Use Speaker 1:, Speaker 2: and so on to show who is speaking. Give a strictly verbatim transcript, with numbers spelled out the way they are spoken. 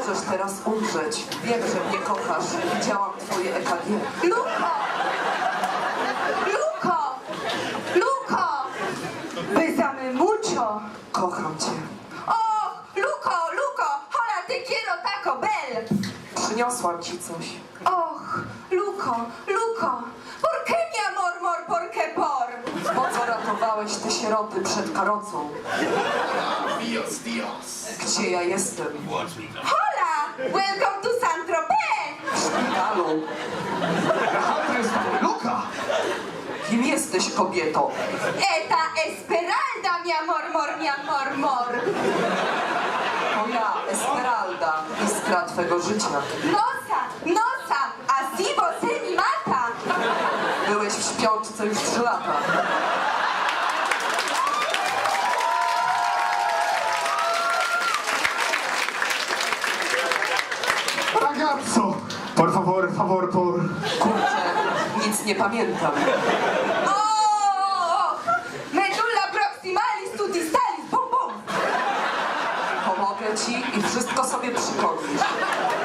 Speaker 1: możesz teraz umrzeć. Wiem, że mnie kochasz. Widziałam twoje E K G.
Speaker 2: Luko! Luko! Luko! Besame mucho!
Speaker 1: Kocham cię.
Speaker 2: Och, Luko, Luko! Hola, te quiero Taco Bell!
Speaker 1: Przyniosłam ci coś.
Speaker 2: Och, Luko, Luko! ¿Por qué mi amor, mor, por qué por?
Speaker 1: Po co ratowałeś te sieroty przed karocą?
Speaker 3: Dios, Dios.
Speaker 1: Gdzie ja jestem?
Speaker 3: Watch me now.
Speaker 2: Hola! Welcome to Saint-Tropez!
Speaker 1: W szpitalu.
Speaker 3: Luka!
Speaker 1: Kim jesteś, kobieto?
Speaker 2: Eta Esmeralda, mi amor, mor, mi amor, mor!
Speaker 1: To ja, Esmeralda, iskra twego życia.
Speaker 2: Nosa, nosa! Así você mi mata!
Speaker 1: Byłeś w śpiączce już trzy lata.
Speaker 3: Ragazzo! Por favor, favor, por...
Speaker 1: Kurczę, nic nie pamiętam.
Speaker 2: Oh! Medulla proximalis tudistalis, bum bum!
Speaker 1: Pomogę ci i wszystko sobie przypomnisz.